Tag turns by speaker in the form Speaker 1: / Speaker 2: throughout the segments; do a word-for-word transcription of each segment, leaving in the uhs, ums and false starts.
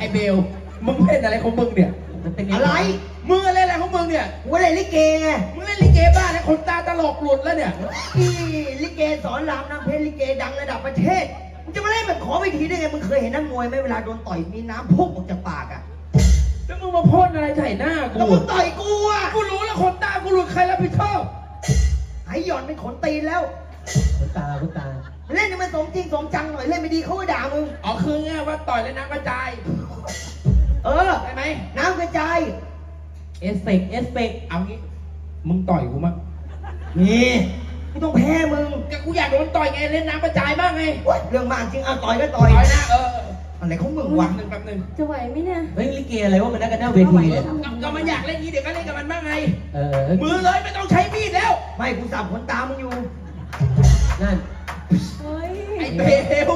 Speaker 1: อ้เบลมึงเล่นอะไรของมึงเนี่ย
Speaker 2: อะไร
Speaker 1: มึงเล่นอะไรของมึงเนี่ย
Speaker 2: กูเล่นลิเกไง
Speaker 1: มึงเล่นลิเกบ้าแล้วคนตาตลกหลุดแล้วเนี่ย
Speaker 2: อีลิเกสอนรามน้ำเพชรลิเกดังระดับประเทศมึงจะมาเล่นแบบขอเวทีได้ไงมึงเคยเห็นนักมวยไหมเวลาโดนต่อยมีน้ำพุ่งออกจากปากอ่ะ
Speaker 1: แล้วมึงมาพ่นอะไรใส่หน้ากู
Speaker 2: แล้วมึงต่อยกูอ่ะ
Speaker 1: กูรู้แล้วคนตากูหลุดใครรับผิดชอบ
Speaker 2: ไอ้หย่อนเป็นขนตีนแล้ว
Speaker 3: ขนตาขนตา
Speaker 2: เล่นให้มันสมจริงสมจังหน่อยเล่นไม่ดีเขาก็ด่ามึง
Speaker 1: อ๋อคือไงว่าต่อยแล้วน้ำกระจาย
Speaker 2: เออ
Speaker 1: ใช่ไหม
Speaker 2: น้ำกระจาย
Speaker 3: เอสเฟกเอสเฟก
Speaker 1: เอางี้มึงต่อยกูมั้ง
Speaker 2: นี่กูต้องแพ้มึง
Speaker 1: ก็กูอยากโดนต่อยไงเล่นน้ำกระจายบ้างไง
Speaker 2: เรื่องมากจริงเอาต่อยก็ต่อย
Speaker 1: ต่อยนะเออ
Speaker 2: อะไรของมึงวะ
Speaker 1: หนึ่งแป๊บหนึ่ง
Speaker 4: จะไหวไหมเนี่ย
Speaker 3: เฮ้ยลิเกอะไรวะมันนักกันหน้าเวทีเนี่ย
Speaker 1: ก็มันอยากเล่นงี้เดี๋ยวก็เล่นกับมันบ้างไง
Speaker 3: เออ
Speaker 1: มือเลยไม่ต้องใช้มีดแล้ว
Speaker 2: ไม่กูสับขนตามึงอยู่
Speaker 3: นั่น
Speaker 1: ไอ้เบล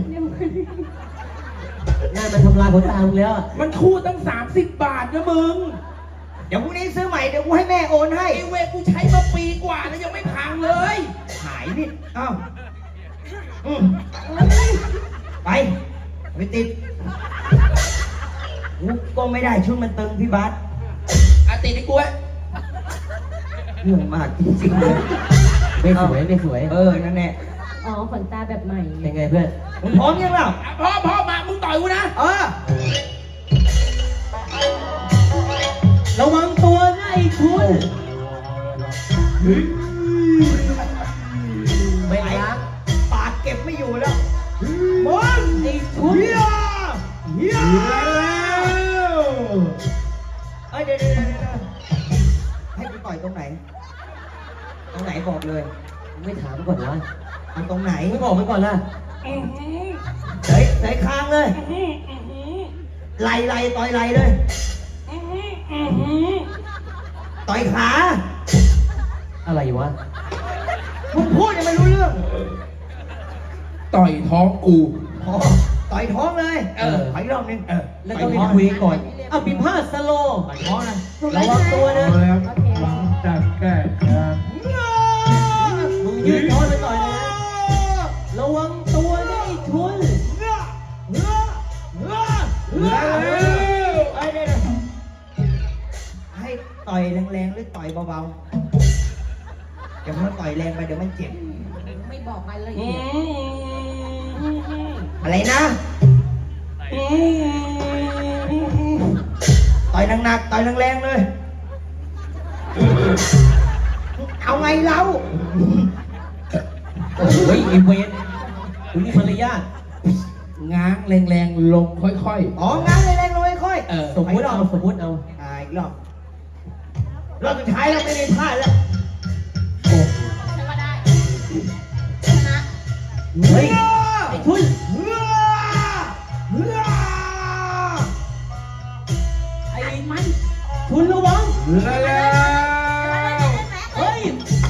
Speaker 3: นั่นมันทำลายขนตามึงแล้ว
Speaker 1: มันคู่ตั้งสามสิบบาทนะมึง
Speaker 2: เดี๋ยวพรุ่งนี้ซื้อใหม่เดี๋ยวกูให้แม่โอนให้
Speaker 1: ไอ้เวกูใช้มาปีกว่าแล้วยังไม่พังเลย
Speaker 2: หายนิดอ้าวอืมไปไปติดกูก็ไม่ได้ชุดมันตึงพี่บัส
Speaker 1: อาติดไอ้กูไว้
Speaker 2: เรื่องมากจริงๆเลย
Speaker 3: ไม่สวยไม่สวย
Speaker 2: เออนั่นแหละ
Speaker 4: อ๋อขนตาแบบใหม่
Speaker 3: ยังไงเพื่อน
Speaker 2: มึงพร้อมยังเปล่า
Speaker 1: พร้อมพร้อมมามึงต่อยกูนะ
Speaker 2: เออ
Speaker 3: ระวังตัวนะไอ้คุณไม่ล้าง
Speaker 2: ปากเก็บไม่อยู่แล้วมึง
Speaker 3: ไอ้คุณ
Speaker 2: เฮียเฮียเอ้ยเดี๋ยวเดี๋ยวเดี๋ยวให้กูต่อยตรงไหนตรงไหนบอกเลย
Speaker 3: ไม่ถามก่อนวะ
Speaker 2: เอาตรงไหน
Speaker 3: ไม่บอกไปก่อนล่ะ
Speaker 2: เฮ้ยใส่คางเลยไหลไหลต่อยไหลเลยต่อยขา
Speaker 3: อะไรวะ
Speaker 2: มึงพูดยังไม่รู้เรื่อง
Speaker 1: ต่อยท้องกู
Speaker 2: ต่อยท้องเลย
Speaker 1: เออ
Speaker 2: ขออีกรอบนึงเออ
Speaker 3: แล้วก็มีคุยก่อนเอาปิ่นผ้าสโล
Speaker 2: ต่อยท้องนะ
Speaker 3: ระวังตัวนะ
Speaker 1: จับแก้ครับ
Speaker 3: มึงยืนท้อนไปต่อยเลยนะระวังตัวนะไอ้ทุน
Speaker 2: ให้ต่อยแรงๆหรือต่อยเบาๆเดี๋ยวมันต่อยแรงไปเดี๋ยวมันเจ็บ
Speaker 4: ไม่บอกรายละเอียด
Speaker 2: อะไรนะต่อยหนักๆต่อยแรงๆเลยเอาไงเรา
Speaker 3: โอ้ยไอ้เวรคุณนี่ภรรยา
Speaker 1: ง้างแรงๆลงค่อย
Speaker 2: ๆอ๋อง้างแรงๆลงค่อย
Speaker 3: ๆสมมติเอาสมมติเอา
Speaker 2: อ่าอีกรอบรอบสุดท้ายแล้วไม่ได้พลาดแล้ว
Speaker 4: ใช่ว่าได้ชนะ
Speaker 3: เฮ้ยไอ้ทุนไอ้มันทุนระวังเฮ้ย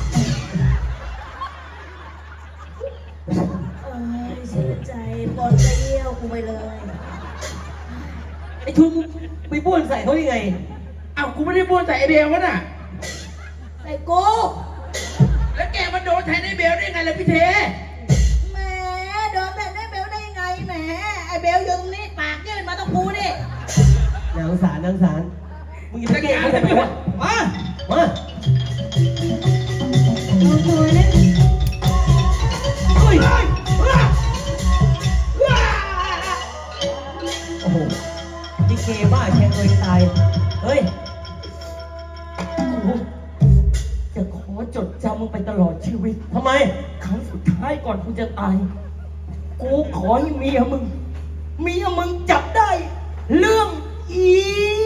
Speaker 4: เสียใจปนจะเยี่ยวกูไปเลย
Speaker 3: ไอ้ทุนไปบ้วนใส่เขายังไง
Speaker 1: อ้าวกูไม่ได้บ้วนใส่ไอเบลวะน่ะ
Speaker 4: ใส่กู
Speaker 1: แล้วแกมันโดนแทนไอเบลได้ไงล่ะพี่เท
Speaker 4: แหมโดนแทนไอเบลได้ไงแหมไอเบลยืนนี่ปากยื่นมาต้องกูดิ
Speaker 3: นางสารนางสารมึงจะเก่งเขาทำไมวะมามา
Speaker 4: โอ้ยเนี่ย
Speaker 3: เฮ้ยโอ้โหดิเกบ้าแทงเลยตายเฮ้ย
Speaker 2: จะขอจดจำมึงไปตลอดชีวิต
Speaker 3: ทำไม
Speaker 2: ครั้งสุดท้ายก่อนกูจะตายกูขอให้เมียมึงเมียมึงจับได้เรื่องอี